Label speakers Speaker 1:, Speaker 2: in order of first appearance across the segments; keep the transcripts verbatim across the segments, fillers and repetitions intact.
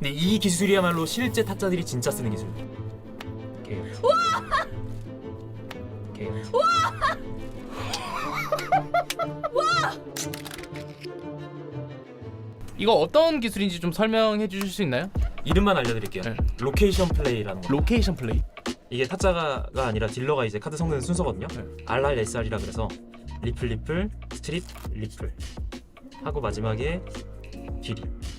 Speaker 1: 근데 이 기술이야말로 실제 타짜들이 진짜 쓰는 기술. 오케이.
Speaker 2: 와!
Speaker 1: 오케이.
Speaker 2: 와! 와!
Speaker 3: 이거 어떤 기술인지 좀 설명해 주실 수 있나요?
Speaker 1: 이름만 알려드릴게요.
Speaker 3: 네.
Speaker 1: 로케이션 플레이라는 거.
Speaker 3: 로케이션 플레이.
Speaker 1: 이게 타짜가 아니라 딜러가 이제 카드 섞는 순서거든요.
Speaker 3: 네.
Speaker 1: 알알에스알이라 그래서 리플 리플 스트립 리플 하고 마지막에 길이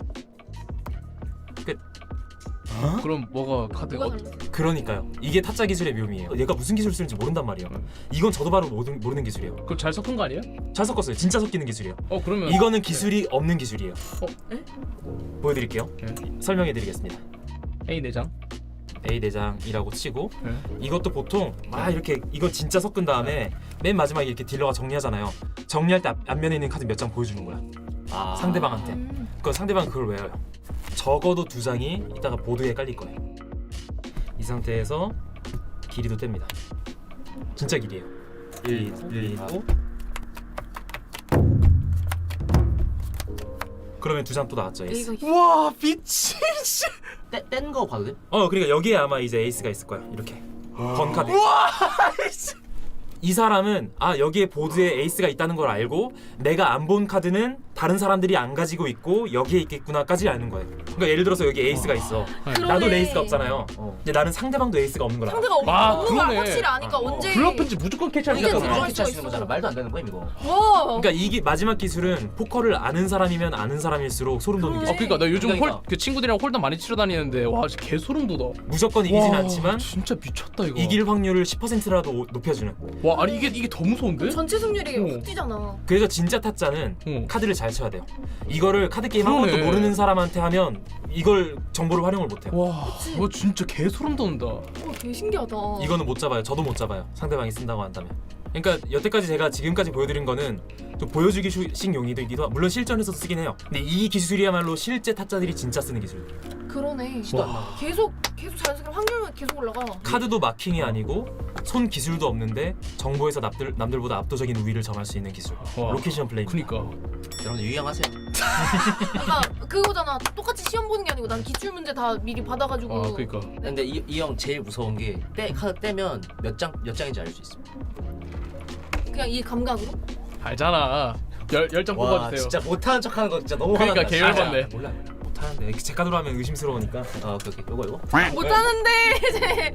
Speaker 1: 끝. 어?
Speaker 3: 그럼 뭐가 카드?
Speaker 2: 뭐가
Speaker 3: 어,
Speaker 2: 달라?
Speaker 1: 그러니까요. 이게 타짜 기술의 묘미예요. 얘가 무슨 기술 쓰는지 모른단 말이에요.
Speaker 3: 음.
Speaker 1: 이건 저도 바로 모르는, 모르는 기술이에요.
Speaker 3: 그거 잘 섞은 거 아니에요?
Speaker 1: 잘 섞었어요. 진짜 섞이는 기술이에요.
Speaker 3: 어 그러면
Speaker 1: 이거는 기술이 없는 기술이에요.
Speaker 3: 어?
Speaker 2: 에?
Speaker 1: 보여드릴게요.
Speaker 3: 네.
Speaker 1: 설명해드리겠습니다.
Speaker 3: A 내장.
Speaker 1: A 내장이라고 치고
Speaker 3: 네.
Speaker 1: 이것도 보통 막 이렇게 이건 진짜 섞은 다음에 맨 마지막에 이렇게 딜러가 정리하잖아요. 정리할 때 앞, 앞면에 있는 카드 몇 장 보여주는 거야.
Speaker 4: 아.
Speaker 1: 상대방한테.
Speaker 2: 음.
Speaker 1: 그건 상대방 그걸 외워요. 적어도 두 장이 이따가 보드에 깔릴 거예요. 이 상태에서 길이도 뗍니다. 진짜 길이에요. 일, 일, 이, 오. 그러면 두 장 또 나왔죠. 에이스.
Speaker 2: A가 있어.
Speaker 3: 와 미친.
Speaker 4: 뗀 거 봐도 돼?
Speaker 1: 어 그러니까 여기에 아마 이제 에이스가 있을 거야. 이렇게 번 카드.
Speaker 3: 와.
Speaker 1: 이 사람은 아 여기에 보드에 에이스가 있다는 걸 알고 내가 안 본 카드는 다른 사람들이 안 가지고 있고 여기에 있겠구나까지 아는 거예요. 그러니까 예를 들어서 여기 에이스가 있어.
Speaker 2: 그러네.
Speaker 1: 나도 에이스가 없잖아요.
Speaker 4: 어.
Speaker 1: 근데 나는 상대방도 에이스가 없는 걸 알아.
Speaker 2: 상대가 없-
Speaker 3: 아,
Speaker 2: 없는 걸
Speaker 3: 그러네.
Speaker 2: 확실히 아니까
Speaker 1: 아,
Speaker 2: 언제
Speaker 3: 블러프인지 무조건 캐치할
Speaker 2: 이게
Speaker 3: 수
Speaker 2: 들어갈
Speaker 3: 있잖아.
Speaker 4: 이렇게
Speaker 2: 수가
Speaker 4: 하시는
Speaker 2: 있어.
Speaker 4: 거잖아. 말도 안 되는 거야 이거.
Speaker 2: 와.
Speaker 1: 그러니까 이게 마지막 기술은 포커를 아는 사람이면 아는 사람일수록 소름 돋는
Speaker 2: 그러네.
Speaker 1: 기술.
Speaker 3: 어 그러니까 나 요즘
Speaker 4: 그러니까.
Speaker 3: 홀 그 친구들이랑 홀더 많이 치러 다니는데 와 진짜 개 소름 돋아.
Speaker 1: 무조건 이기진
Speaker 3: 와,
Speaker 1: 않지만
Speaker 3: 진짜 미쳤다 이거.
Speaker 1: 이길 확률을 십 퍼센트라도 높여주는.
Speaker 3: 와 아니 이게 이게 더 무서운데?
Speaker 2: 전체 승률이
Speaker 3: 어.
Speaker 2: 확 뛰잖아.
Speaker 1: 그래서 진짜 타짜는
Speaker 3: 어.
Speaker 1: 카드를 잘 쳐야 돼요. 이거를 카드 게임 한
Speaker 3: 그러네.
Speaker 1: 번도 모르는 사람한테 하면 이걸 정보를 활용을 못해요.
Speaker 3: 와,
Speaker 2: 그치.
Speaker 3: 와 진짜 개 소름 돋는다.
Speaker 2: 어, 되게 신기하다.
Speaker 1: 이거는 못 잡아요. 저도 못 잡아요. 상대방이 쓴다고 한다면. 그러니까 여태까지 제가 지금까지 보여드린 거는 좀 보여주기식 용이기도 하고 물론 실전에서도 쓰긴 해요. 근데 이 기술이야말로 실제 타짜들이 진짜 쓰는 기술.
Speaker 2: 그러네.
Speaker 4: 시도 안 나와.
Speaker 2: 계속 계속 자연스럽게 확률만 계속 올라가.
Speaker 1: 카드도 마킹이 아니고 손 기술도 없는데 정보에서 남들, 남들보다 압도적인 우위를 점할 수 있는 기술.
Speaker 3: 와.
Speaker 1: 로케이션 플레이.
Speaker 3: 그니까.
Speaker 4: 여러분들 유의하세요.
Speaker 2: 그러니까 그거잖아. 똑같이 시험 보는 게 아니고 난 기출 문제 다 미리 받아가지고.
Speaker 3: 아 그니까.
Speaker 4: 근데 이 이 형 제일 무서운 게 떼 카드 떼면 몇 장 몇 장인지 알 수 있어.
Speaker 2: 그냥 이 감각으로.
Speaker 3: 알잖아. 열 열장
Speaker 4: 와
Speaker 3: 뽑아주세요.
Speaker 4: 진짜 못하는 척하는 거 진짜 너무
Speaker 3: 그러니까
Speaker 4: 화난다.
Speaker 3: 개
Speaker 4: 진짜.
Speaker 3: 열받네.
Speaker 4: 몰라.
Speaker 1: 못하는데 제 카드로 하면 의심스러우니까.
Speaker 4: 아 오케이 오케이. 요거 요거.
Speaker 2: 못하는데 이제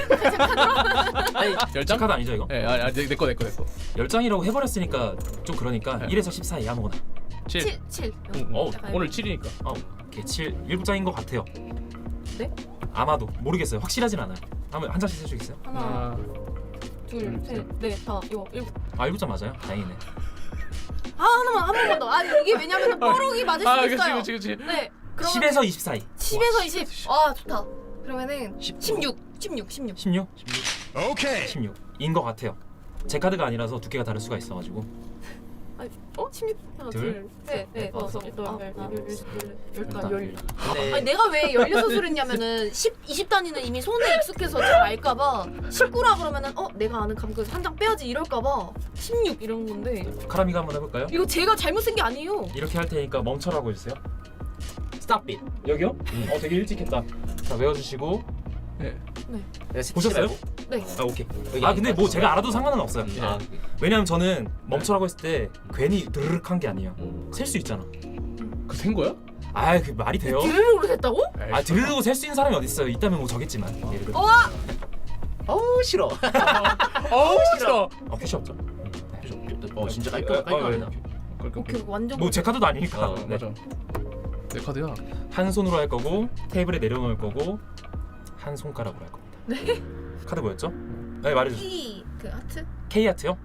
Speaker 4: 아니
Speaker 1: 제
Speaker 3: 열장?
Speaker 1: 카드 아니죠 이거?
Speaker 3: 예, 아, 내거 내 거 내 거.
Speaker 1: 열 장이라고 해버렸으니까 좀 그러니까
Speaker 3: 네.
Speaker 1: 일에서 십 사이 아무거나.
Speaker 3: 칠.
Speaker 2: 칠, 칠.
Speaker 3: 어,
Speaker 2: 약간
Speaker 3: 오늘 칠이니까.
Speaker 1: 어, 오케이 칠 일곱 장인 것 같아요.
Speaker 2: 네?
Speaker 1: 아마도 모르겠어요. 확실하진 않아요. 한번 한 장씩 세주겠어요?
Speaker 2: 하나,
Speaker 3: 하나.
Speaker 2: 둘, 셋, 넷, 다, 이거 일곱.
Speaker 1: 아 일곱 장 맞아요? 다행이네.
Speaker 2: 아 하나만 한 번만 더. 아니 이게 왜냐면 뽀록이 맞을 수도
Speaker 3: 아, 그치
Speaker 2: 있어요.
Speaker 3: 그치 그치.
Speaker 2: 네. 그러면
Speaker 1: 십에서 이십 사이.
Speaker 2: 십에서 이십. 아 좋다. 그러면은
Speaker 4: 십.
Speaker 2: 십육, 십육, 십육.
Speaker 1: 십육? 오케이. 십육인 것 같아요. 제 카드가 아니라서 두께가 다를 수가 있어가지고.
Speaker 2: 아니, 어? 십육. 하나,
Speaker 1: 둘,
Speaker 2: 둘, 셋, 넷, 다섯, 여덟, 열, 열, 열다, 열.
Speaker 4: 근데
Speaker 2: 아니 내가 왜 열여섯을 했냐면은 십, 이십 단위는 이미 손에 익숙해서 잘 알까봐 십구라 그러면은 어? 내가 아는 감각에서 한 장 빼야지 이럴까봐 십육 이런 건데
Speaker 1: 카라미가 한번 해볼까요?
Speaker 2: 이거 제가 잘못 쓴 게 아니에요.
Speaker 1: 이렇게 할 테니까 멈춰라고 해주세요.
Speaker 4: 스탑 빗.
Speaker 1: 여기요? 어 되게 일찍 했다. 자 외워주시고.
Speaker 3: 예.
Speaker 1: 보셨어요?
Speaker 2: 네.
Speaker 1: 아 오케이.
Speaker 4: 여기
Speaker 1: 아 근데 뭐
Speaker 4: 아니까.
Speaker 1: 제가 알아도 상관은 없어요.
Speaker 4: 음, 아,
Speaker 1: 왜냐면 저는 멈춰라고 했을 때 괜히 드르륵 한 게 아니에요.
Speaker 4: 음.
Speaker 1: 셀 수 있잖아.
Speaker 3: 그 생 거야?
Speaker 1: 아 그 말이 돼요?
Speaker 2: 드르륵으로 됐다고?
Speaker 1: 아 드르륵 셀 수 있는 사람이 어디 있어요? 있다면 뭐 저겠지만. 예를 들어.
Speaker 2: 어?
Speaker 4: 어우 싫어.
Speaker 3: 어우 싫어.
Speaker 1: 어 표시 없죠.
Speaker 4: 어 진짜 깔끔 깔끔하다.
Speaker 2: 오케이 완전
Speaker 1: 뭐 제 카드도 아니니까.
Speaker 4: 어,
Speaker 1: 네.
Speaker 3: 맞아. 내 카드야.
Speaker 1: 한 손으로 할 거고 테이블에 내려놓을 거고 한 손가락으로 할 겁니다.
Speaker 2: 네?
Speaker 1: 카드 뭐였죠? 네 말해주세요.
Speaker 2: T 그 하트?
Speaker 1: K 하트요?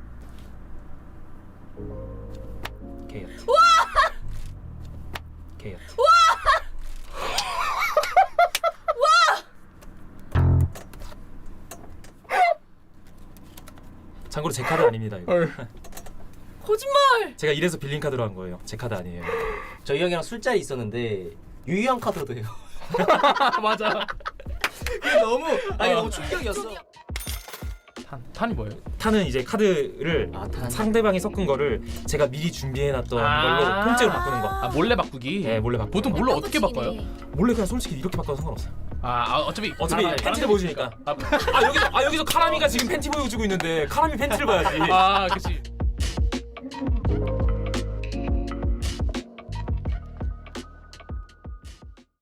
Speaker 1: K 하트. K 하트. 참고로 제 카드 아닙니다 이거.
Speaker 3: 헐.
Speaker 2: 거짓말!
Speaker 1: 제가 이래서 빌린 카드로 한 거예요. 제 카드 아니에요.
Speaker 4: 저희 형이랑 술자리 있었는데 유희형 카드로도 해요.
Speaker 3: 맞아.
Speaker 4: 그게 너무 아니 너무 충격이었어.
Speaker 3: 탄 탄이 뭐예요?
Speaker 1: 탄은 이제 카드를
Speaker 4: 아, 탄.
Speaker 1: 상대방이 섞은 거를 제가 미리 준비해놨던
Speaker 3: 아.
Speaker 1: 걸로 통째로 바꾸는 거.
Speaker 3: 아 몰래 바꾸기.
Speaker 1: 네, 몰래 바꾸는
Speaker 3: 보통
Speaker 1: 거.
Speaker 3: 몰래 어떻게
Speaker 2: 깜빡치기네.
Speaker 3: 바꿔요?
Speaker 1: 몰래 그냥 솔직히 이렇게 바꿔도 상관없어요.
Speaker 3: 아, 아 어차피
Speaker 1: 어차피
Speaker 3: 아,
Speaker 1: 팬티를 보여주니까.
Speaker 3: 아,
Speaker 1: 아 여기서 아 여기서 카라미가 지금 팬티 보여주고 있는데 카라미 팬티를 봐야지.
Speaker 3: 아 그치.